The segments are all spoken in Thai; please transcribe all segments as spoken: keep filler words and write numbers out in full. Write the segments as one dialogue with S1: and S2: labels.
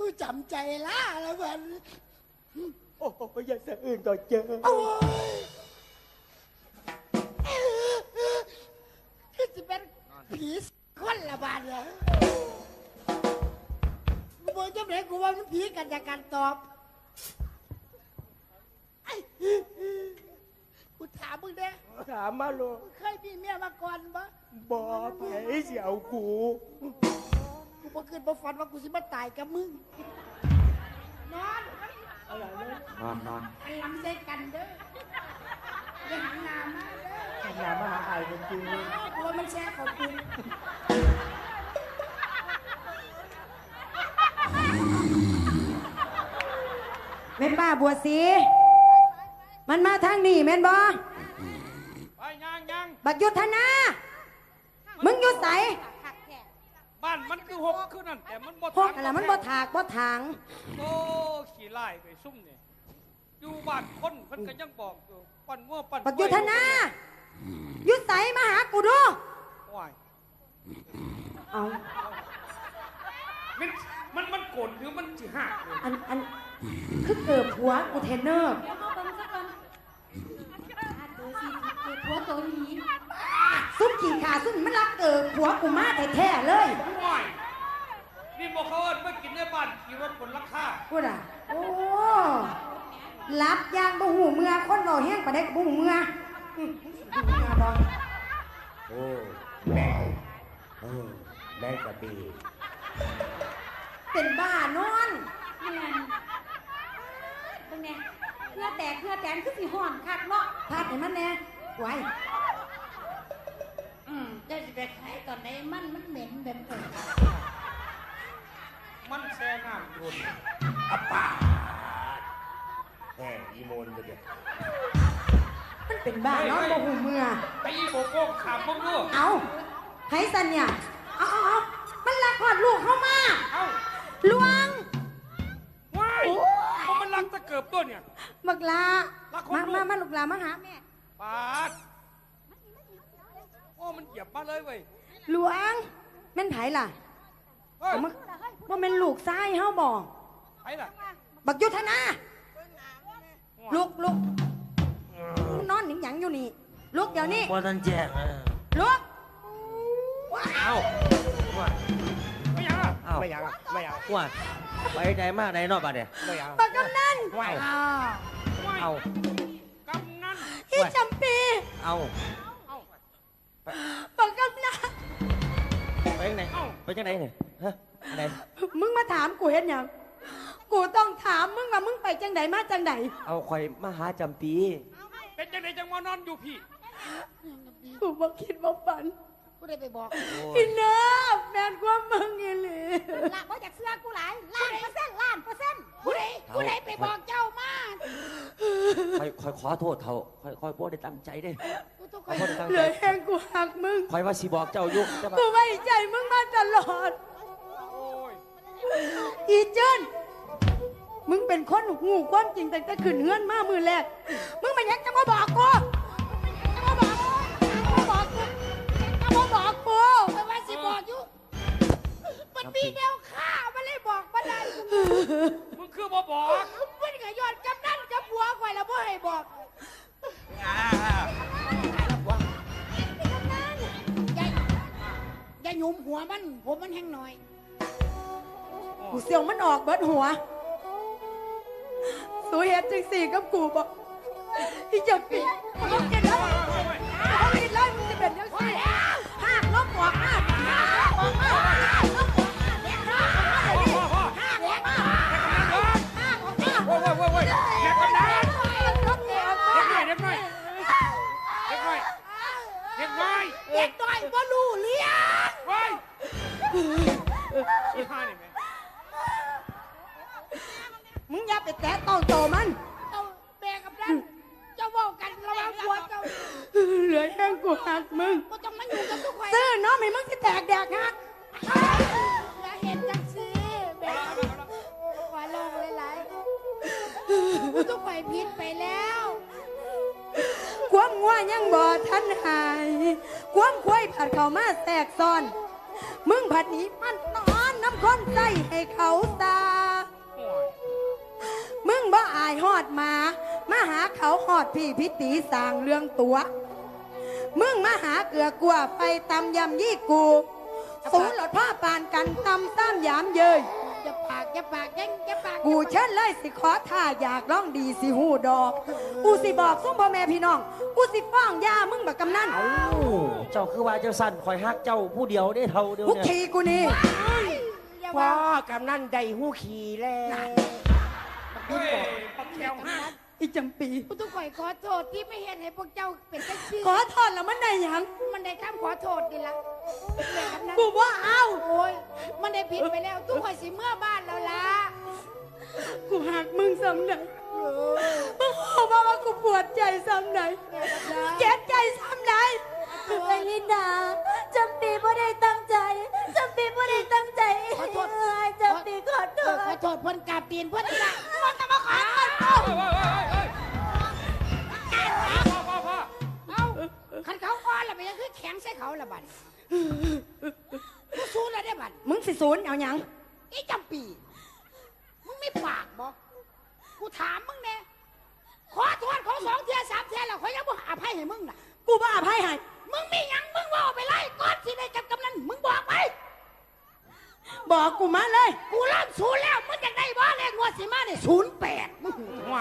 S1: จำใจล่าแล้วมัน
S2: โอ้ยอย่าสะอื่นต่อเจอ
S1: โอ้ยคือจะเป็นผีคนละบาทเลยกูบอกจำเลยกูว่ามันผีกันจากการตอบกูถามมึงเด้
S2: ถามมาลูก
S1: เคยมีเมียมาก่อนปะ
S2: บ่ไผเสียวกู
S1: กูบ่คืนบ่ฝันว่ากูสิมาตายกับมึงนอน
S2: อะไรนะนอนนอน
S1: อันลำใส่กันเด้ออย่าหันหน้ามาเด้อ
S2: หันหน้ามาหาไอ้คนจริง
S1: กลัวมันแช่ของกู
S3: แม่นบ้าบัวสีมันมาทางนี้แม่นบ่
S4: ไปยังยัง
S3: บักยุทธนามึงอยู่ไส
S4: บ้านมันคือหกคือนั่นแต่มันบ่
S3: หกอะไรมันบ่ถากบ่ถาง
S4: โอ้ขี้ไล่ไปซุ่มเนี่ยอยู่บ้านคนเพิ่นก็ยังบอกอยู่ปั่นงัวปั่น
S3: บักยุทธนาอยู่ไสมาหากูดู
S4: ว้าย
S3: เอา
S4: มันมันมันโกรธหรือมันสิหักเลย
S3: อันอันคือเกิดหัวกูเทนเนอร์
S5: เดี๋ยวเขาเบิ่งซะก่อนตัวสีเกิดหัวตัวนี้
S3: ซุ่มขี่ขาซุ่มมันรักเกิดหัวกูมาแท้ๆเลย
S4: ว้ายนี่บอกเขาว่าไม่กินในบ้านขี่รถผลราคา
S3: พูดอ่ะโอ้รับยางบ่หูเมือคนเราแห้งปะเด็กบ่หูเมือ
S2: โอ้แม่เออแม่กระบี่
S3: เป็นบ้านอน
S5: แม่นตรงเนี้ยเพื่อแตกเพื่อแตนคือสิห่อนคักเนาะ
S3: พาดให้มันแน่ไว้
S1: อืมจะไปขายตอนไหนมันมันเหม็นแบบเออ
S4: มันแช่น้ำโดน
S2: อัปปาแหมอีโมนไปเด็ด
S3: มันเป็นบ้านอนบ่หูเมือ
S4: ไปอีโบโก้ขามพวกลูก
S3: เอาไห้สันเนี่ยเอาเอาเอามันลักพอดลูกเข้ามา
S4: เอา
S3: ลวง
S4: ว้ายเพราะมันรักตะเกิบตัวเนี่ย
S3: บักลามามามาลูกลามาหาแม่
S4: ปาดโอ้มันเหยียบมาเลยเว้ย
S3: ลวงแม่นไผล่ะว่าว่าเป็นลูกซ้ายเฮาบอก
S4: ไผล่ะ
S3: บักยุทธนาลูกลูกนอนหนิงหยังอยู่นี่ลูกเดี๋ยวนี้
S2: พอทันแจก
S3: ลูก
S2: เอ้า
S4: ไม่ยังอ่ะ
S2: ไม่ยังอ่ะไม่ยังว่าไปไหนมาไหนนอกบ้านเนี่ยไม่ยัง
S3: บักกำนัน
S2: ว้าวเอา
S4: กำนัน
S3: พี่จำปี
S2: เอา
S3: บักกำนัน
S2: ไปยังไงไปยังไงเนี่ยฮะอะไร
S3: มึงมาถามกูเห็นยังกูต้องถามมึงว่ามึงไปจังไหนมาจังไหน
S2: เอาคอยมาหาจำปี
S4: เป็นจังไหนจังมานอนอยู่พี่
S3: กูบอกคิดว่าฝัน
S1: กูได้ไปบอก
S3: พี่เนิบแมนความมึงอีหลี
S1: ละบ่จากเสื้อกูหลายล้านเปอร์เซ็นต์ล้านเปอร์เซ็นต์กูได้กูได้ไปบอกเจ้ามา
S2: คอยคอยขอโทษเขาคอยคอยโพดได้ตั้งใจเด้
S3: เหลือแห้งกูหักมึง
S2: คอยว่าสิบอกเจ้ายุ่ง
S3: กูไว้ใจมึงมาตลอดอีเจิ้นมึงเป็นคนหูความจริงแต่แต่ขืนเฮือนมามือแรกมึงมายังจะมาบอกกูจะมาบอกจะมาบอกกูจะมาบอกกู
S1: แต่ว่าสิบอกอยู่มันมีแนวฆ่ามันเลยบอกมาได้
S4: มึงคือบ่บอก
S1: มันก็ย้อนกำนันกับผัวข่อยแล้วบ่ให้บอกอย่าหยุมหัวมันผมมันแห้งหน่อย
S3: กูเสียวมันออกเบิดหัวสูเหตุจังสี่กับกูบอกที่จะปีมึงกินแล้วมึงกินแล้วมึงจะเป็นยังไงห้าลบหัวห้าห้าลบหัวห้าลบหัวห้าเด็กน้อยห้าเด็กน้อยห้าเด็กน้อยห้าของห้า
S4: โว้ยโว้ยโว้ยโว้ยเด็กน้อยเด็กน้อยเด็กน้อยเด็กน้อยเด็กน้อยเด็กน้อย
S1: เด็กน้อยบ่รู้เลี้ยง
S4: เว้ยอีห่านี่แม่
S3: มึงอย่าไปแตะต้องโตมัน
S1: เอาแบกกับนั่นเจ้าบอกกันระวังหัวเจ้า
S3: เหลือแค่กูหักมึง
S1: ก็ต้องมาอยู่กับทุกคน
S3: ซื้อน้องให้มึงที่แตกแดกหัก
S1: อย่าเห็นจังสิแบกว่าลงหลายๆทุกคนผิดไปแล้ว
S3: ความงัวยังบ่ทันหายความควายผัดเข้ามาแทรกซ้อนมึงผัดหนีมันนอนน้ำข้นใจให้เขาตายายหอดมามาหาเขาหอดพี่พิตีสร้างเรื่องตัว มึงมาหาเกลือกลัวไปตำยำยี่กูสูหลดผ้าปานกันตำซ้ำยามเยย
S1: อย่าปากอย่าปากยังอย่าปาก
S3: กูเชิญเลยสิขอท่าอยากร้องดีสิหูดอก กูสิบอกซุ้มพ่อแม่พี่น้อง กูสิฟ้องย่ามึงแบบกำนัน
S6: เอ้าเจ้าคือว่าเจ้าสั่นคอยฮักเจ้าผู้เดียวได้เท่าเดียว
S3: ทุก
S6: เนี่ย
S3: ทีกูนี่
S1: อย่า
S2: พ่อ
S1: ว่า
S2: กำนันได้หูขี่แล้ว
S4: เฮ้ยปักแก้วห้า
S3: อีจำปี
S1: กูต้องขอขอโทษที่ไม่เห็นให้พวกเจ้าเป็นจังซี่
S3: ขอโทษแล้วมันได้หยัง
S1: มันได้คำขอโทษดีละแม่กำนัน
S3: กูว่าเอา
S1: โอ้ยมันได้ผิดไปแล้วทุกคนสิเมื่อบ้านแล้วล่ะ
S3: กูหักมึงซ้ำไหนมึงบอกมาว่ากูปวดใจซ้ำไหนเจ็บใจซ้ำไหน
S5: ไอ้ลินดาจำปีไม่ได้ตั้งใจจำปีไม่ได้ตั้งใจ
S1: ขอโทษ
S5: เอ้ยจำปีขอโท
S1: เออ
S5: ษ
S1: ขอโทษเพิ่นกราบตีนเพิ่นนี่ละมันจะมาขอโทษ
S4: เฮ้ยเฮ้ยเฮ้ยเฮ้ยพ่อพ่อพ่อ
S1: เอาคันเขาอ่อนแล้วไปยังคือแข็งใส่เขาละบัดกูสู้แล้วได้บัด
S3: มึงสิศูนย์เอาหยัง
S1: อีจำปี มึงไม่ปากบอกกูถามมึงแน่ขอโทษเขาสองเทียสามเทียแล้วเขายังบ่อภัยให้มึงน่ะ
S3: กูบ้าอภัยให้
S1: มึงมีหยังมึงว่าไปไล่ก่อนสิได้กับกำนันมึงบอกไป
S3: บอกกูมาเลย
S1: กูเริ่มศูนย์แล้วมึงจะได้บ่เลขงวดสิมาเนี่ยศูนย์แปดมึง
S4: ห่วย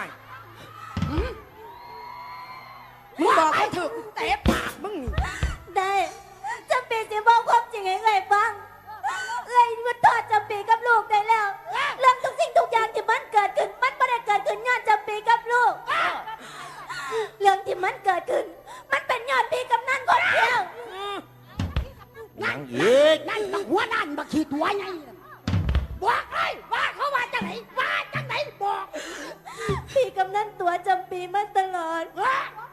S3: มึงบอกเขาเถอะกูเตะปากมึงนี่
S5: ได้จำปีสิบอกความจริงให้เลยฟังเลยมันทอดจำปีกับลูกได้แล้วเรื่องทุกสิ่งทุกอย่างที่มันเกิดขึ้นมันไม่ได้เกิดขึ้นย้อนจำปีกับลูก เรื่องที่มันเกิดขึ้น มันเป็นย้อนปีกำนันคนเดียว
S6: ยังอีก
S1: นั่นบักหัวนั่นบักขีดหัวไงบอกเลยว่าเขาว่าจังไหนว่าจังไหนบอก
S5: พี่กำนันตัวจำปีมาตลอด
S1: ว่า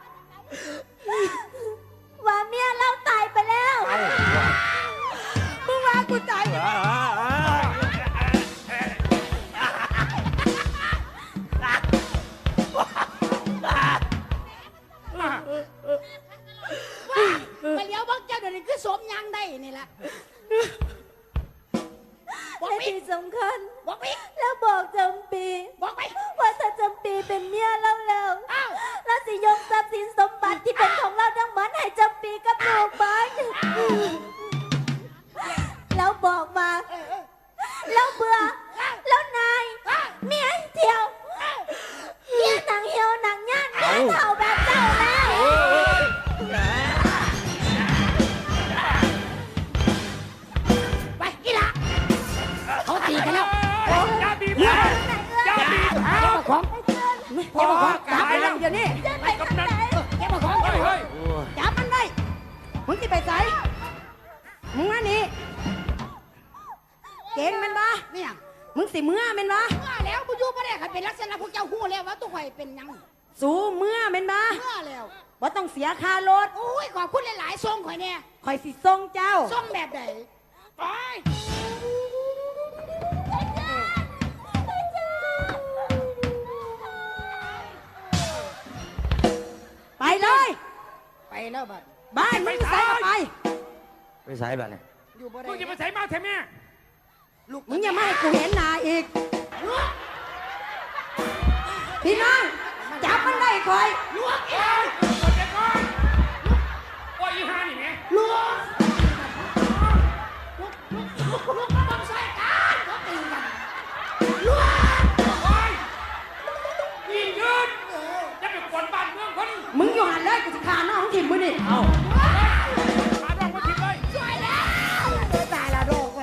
S5: ว่าเมียเราตายไปแล้ว
S3: มึงว่ากูตาย
S6: อ่าอ่าอ่า
S1: ไปเลี้ยวบักเจ้าเดี๋ยวนี้คือสมยังได้นี่แหละบอก
S5: และ
S1: ไป
S5: ที่สำคัญ
S1: บอกไป
S5: แล้วบอกจำปี
S1: บอกไป
S5: ว่าถ้าจำปีเป็นเมียเราแล้ว
S1: อ้าว
S5: แล้วสิยกทรัพย์สินสมบัติที่เป็นของเราทั้งหมดให้จำปีกับลูกบ้านแล้วบอกมา
S1: เออเออ
S5: แล้วเบื่อ แล้วนาย เมียเที่ยว เมียหนังเหี่ยวหนังย่านเมียเท่าแบบเจ้าแล้ว
S1: ไปกีฬาเขาตีกันแล้ว
S4: อย่าบีบเขาอย่าบีบเขา
S1: เก็บมาของ
S3: พอจับมันเดี๋ยวนี้
S5: ไปกับไหน
S1: เก็บมาของ
S4: เฮ้ยเฮ้ย
S3: จับมันไว้มึงที่ไปใส่มึงอันนี้เก่งแมันปะ
S1: เนี่ย
S3: มึงสิเมื่อแมันปะ
S1: เมื่อแล้วกูอยู่ไม่ได้ค่ะเป็นลักษณะพวกเจ้าหู้แล้วว่าตัวข่อยเป็นหยัง
S3: สู้เมื่อแมันปะ
S1: เมื่อแล้ว
S3: ว่าต้องเสียค่ารถ
S1: โอ้ยขอบคุณหลายๆทรงข่อยเนี่ย
S3: คอยสิส่งเจ้า
S1: ทรงแบบไหนไป
S3: ไปเลย
S1: ไปแล้วบัด
S3: บ้านมึงใส่ก็ไป
S6: ไปสายแบบไหน
S1: อยู่บ่ได้
S4: มึงจะมาใส่มาแทนแม่
S3: มึงอย่ามาให้กูเห็นหน้าอีก พี่น้องจับมันได้คอย
S1: ลวกเอ
S4: เฮ้
S1: ง
S4: ยกดเด็กก่อนโอ้ยอีห่านี่แม่
S1: ลวกลุกลุกลุกลุกมาบังใส่กันเขาตีกันลวก
S4: โอ้ยยิงยืนจะไปกวนบ้านเมืองคน
S3: มึงอยู่หันเลยกูจะฆ่าน้องถิ่มมึงนี่
S6: เอ้า
S4: มาดองมาทิ้งเลย
S1: ช่วยแล้วตายละโรคไป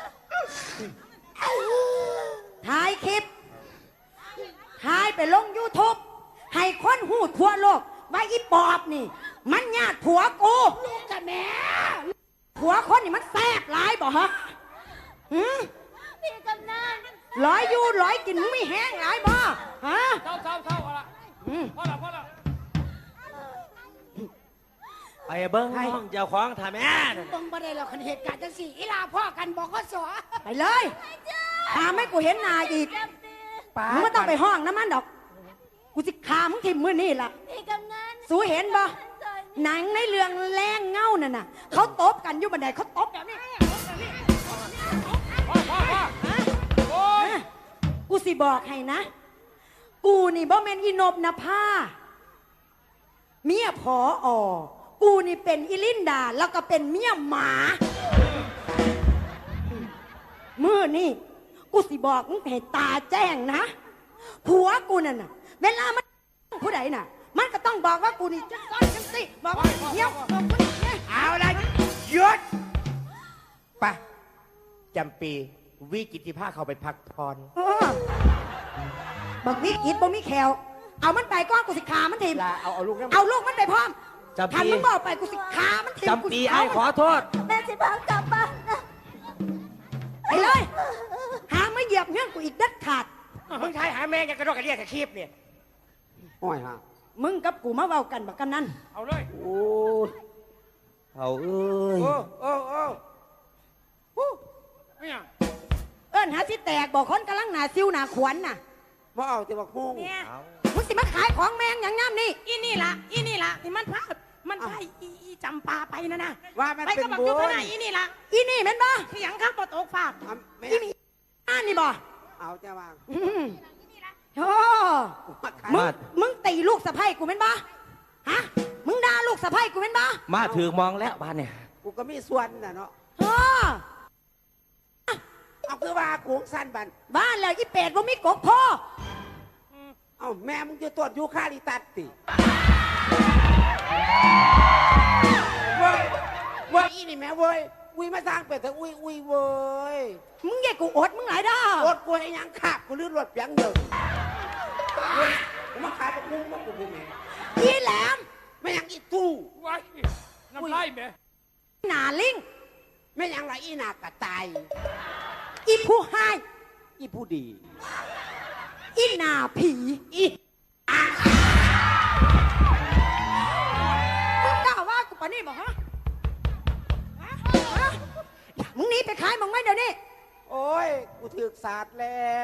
S3: ถ่ายคลิปถ่ายไปลง ยูทูบ ให้คนหูทั่วโลกว่าอีปอบนี่ มันญาติผัวกู
S1: ลูกกับแม่
S3: ผัวคนนี่มันแซ่บหลายบ่ฮะหืม
S5: พี่กำนัน
S3: ร้อยอยู่ร้อยกินมึงไม่แห้งหลายบ่ฮะ
S4: เท่าเท่าเท่าเอาละ
S3: อืม
S4: พอละพอละ
S6: ไปเบิ้งห้องเจ้าของถ่ายแม่นั่น
S1: เบิ่งบ่ได้หรอกคันเหตุการณ์จังสี่อีลาพ่อกันบอกก็สอ
S3: ไปเลยหาไม่กูเห็นหน้าอีกมึงไม่ต้องไปห้องน้ำมันดอก กูสิขามึงทิมมือนี่ล่ะ
S5: พี่กำนัน
S3: สูเห็นบ่หนังในเรื่องแรงเงานั่นน่ะเขาตบกันอยู่บันไดเขาตบแบบนี้
S4: พ่อพ่อพ่อโอ้ย
S3: กูสิบอกให้นะ กกูนี่บ่แม่นอีนบนภาเมียผออกูนี่เป็นอีลินดาแล้วก็เป็นเมียหมามือนี่กูสิบอกมึงให้ตาแจ้งนะผัวกูนั่นน่ะเวลามันผู้ใดน่ะมันก็ต้องบอกว่ากูนี่จะซ่อนจังสิบอกว่าเหี้ยวบอกกูนี่เนี่ย
S2: เอาละหยุดไปจำปีวิกิติภาเข้าไปพักผ่อน
S3: เออบักวิกฤตบ่มีแขวเอามันไปก้อนกูสิขามันทีม
S2: ลาเอาเอาลูกนั่น
S3: เอาลูกมันไปพร้อม
S6: จำปี
S3: ทันมึงบอกไปกูสิขามันทีม
S6: จำปีไอ้ขอโทษ
S5: แม่สิพากลับบ้านนะ
S3: ไปเลย หาไม่เหยียบเงี้ยกูอีกเด็ดขาด
S2: มึงทายหาแม่งยังกระโดดกระเดียกกระคีบเนี่ยโอ้ยฮะ
S3: มึงกับกูมาเว้ากันบักกันนั่น
S4: เอาเลย
S6: โอ้ยเอาเอ้ย
S2: โอ้โอ้โอ้
S4: ไม่ยัง
S3: เอิ้นหาสิแตกบอกคนกำลังหนาซิวหนาขวัญน่ะ
S2: มาเอาแต่ว่าคุ้ง
S3: เนี่ย
S6: เอา
S3: มึงสิมาขายของแมงอย่างง่ามนี่
S7: อีนี่ละอีนี่ละที่มันพามันพาอีอีจำปาไปนะนะ
S2: ว่ามัน
S7: ไป
S2: เป็น
S7: กับบัก
S2: บุ
S7: ยุทธ
S2: ญ
S7: นาอีนี่ละ
S3: อีนี่แม่นบ่
S7: ขยันข้ามปตกฟาก
S2: เอาแม่
S3: อีนี่อ่านนี่บ่
S2: เอาจะวาง
S3: อืมโอ้
S2: มาขาย
S3: มึงมึงตีลูกสะใภ้กูแม่นบ่ฮะมึงด่าลูกสะใภ้กูแม่นบ่
S6: มาถึงมองแล้วบ้านเนี่ย
S2: กูก็มีส่วนน่ะเนาะ
S3: โอ้
S2: เอาคือว่ากูสั้นบัน
S3: บ้านแล้วอีเป็ดบ่มีกกพ่อ
S2: เอาแม่มึงจะตรวจยูคาลิตัสติเว้ยเว้ยอีนี่แม่เว้ยอุ้ยมาสร้างเป็ดแต่อุ้ยอุ้ยเว้ย
S3: มึงแย่กูอดมึงหลายด้า
S2: รถกูให้ยังขับกูลื่นรถเปียงเดินเว้ยกูมาขายปลาคุ้งมากูพูดแม่
S3: อีแหลม
S2: ไม่ยังอีตู้
S4: ไว้น้ำไล่แม่
S3: หนาลิง
S2: ไม่ยังไรอีหนากระตาย
S3: อีผู้ให้
S2: อีผู้ดี
S3: อีหนาผี
S2: อี
S3: มึงกล้าว่ากูปะนี่บอกฮะฮะฮะมึงหนีไปขายมึงไม่เดี๋ยวนี้
S2: โอ้ยกูถือศาสตร์แล้ว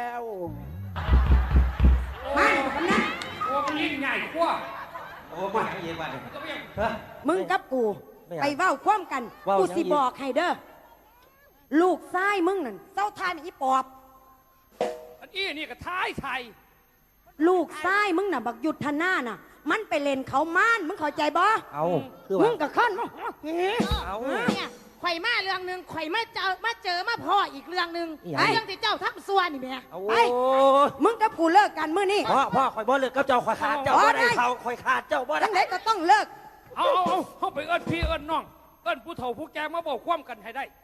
S3: มาคำนั้น
S4: โอ้มันยิ่งใหญ่กว่า
S6: โอ้ไม่ยังยิงบ้านเนี่ย
S4: ก็ไม่ยัง
S6: ฮะ
S3: มึงกับกู
S6: ไม่เอา
S3: ไปเว้าคว่ำกัน
S6: เว้า
S3: กู
S6: ยัง
S3: สิ
S6: อีก
S3: บอกให้เด้อลูกไส้มึงนั่นเจ้าทายมันอีปอบ
S4: อันอี้นี่ก็ท้ายไทย
S3: ลูกไส้มึงน่ะบักหยุดทนาน่ะ มันไปเล่นเขาม่านมึงเข้าใจบ่
S6: เอาคือ
S3: มึ
S6: ว่าง
S3: กับขั้นมึงเฮ้ย
S6: เอา
S7: เนี่ยข่อยมาเรื่องหนึ่งข่อยมาเจอมาเจอมาพ่ออีกเรื่องหนึ่ง
S6: อีหยัง
S7: เรื่องที่เจ้าทับซัวนี่แม่
S6: เอา
S3: ไป
S6: โอ้ย
S3: มึงกับกูเลิกกันมื้อนี้
S6: พ่อพ่อคอยบ่เลิกกับเจ้าคอยขาดเจ้า
S3: อ๋อ
S6: บ่ได้
S3: ได้
S6: เขาคอยขาดเจ้าบ่ได้
S3: ทั้งไหนก็ต้องเลิก
S4: เอาเอาเอาเข้าไปเอิ้นพี่เอิ้นน้อง เอิ้นผู้เฒ่าผู้แก่มาบอกความกันให้ได้